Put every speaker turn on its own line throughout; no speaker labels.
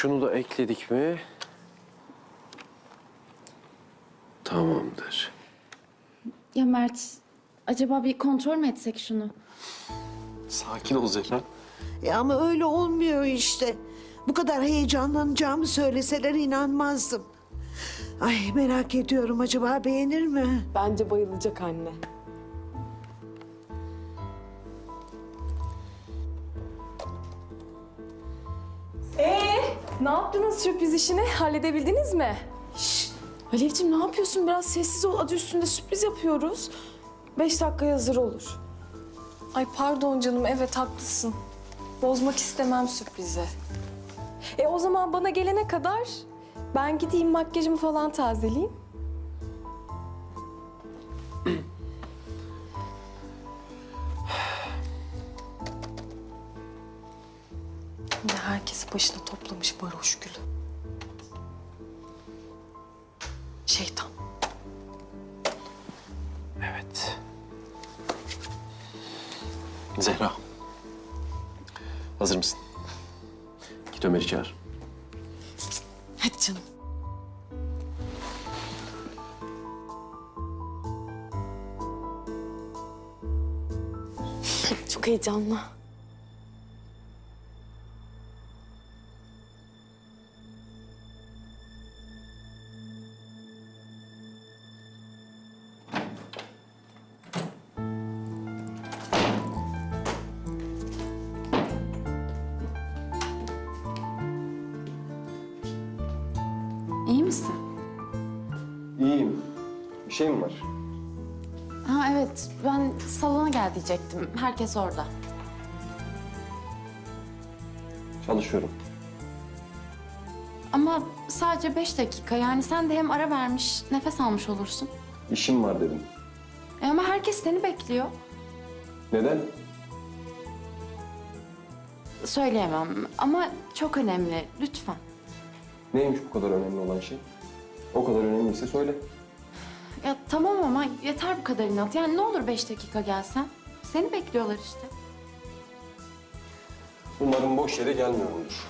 Şunu da ekledik mi? Tamamdır.
Ya Mert, acaba bir kontrol mü etsek şunu?
Sakin ol Zehra.
Ama öyle olmuyor işte. Bu kadar heyecanlanacağımı söyleseler inanmazdım. Ay merak ediyorum, acaba beğenir mi?
Bence bayılacak anne. Ne yaptınız sürpriz işini? Halledebildiniz mi? Şşş! Alevciğim ne yapıyorsun? Biraz sessiz ol. Adı üstünde sürpriz yapıyoruz. 5 dakikaya hazır olur. Ay pardon canım. Evet haklısın. Bozmak istemem sürprizi. O zaman bana gelene kadar ben gideyim makyajımı falan tazeleyeyim. Yine herkesi başına toplamış varoş gülü. Şeytan.
Evet. Zehra. Hazır mısın? Git Ömer'i çağır.
Hadi canım. Çok heyecanlı.
İyi misin?
İyiyim. Bir şey mi var?
Ha evet, ben salona gel diyecektim. Herkes orada.
Çalışıyorum.
Ama sadece 5 dakika. Yani sen de hem ara vermiş, nefes almış olursun.
İşim var dedim.
Ama herkes seni bekliyor.
Neden?
Söyleyemem ama çok önemli. Lütfen.
Neymiş bu kadar önemli olan şey? O kadar önemliyse söyle.
Ya tamam ama yeter bu kadar inat. Yani ne olur 5 dakika gelsen. Seni bekliyorlar işte.
Umarım boş yere gelmiyorumdur.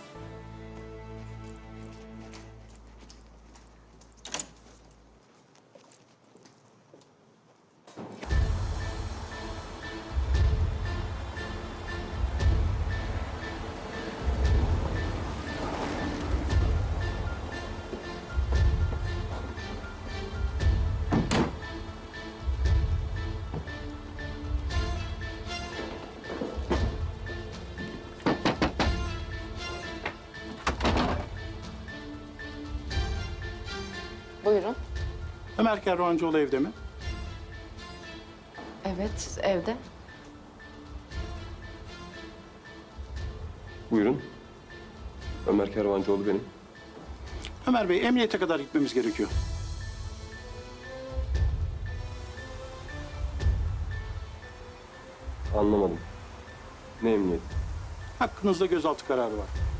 Buyurun.
Ömer Kervancıoğlu evde mi?
Evet, evde.
Buyurun. Ömer Kervancıoğlu benim.
Ömer Bey, emniyete kadar gitmemiz gerekiyor.
Anlamadım. Ne emniyet?
Hakkınızda gözaltı kararı var.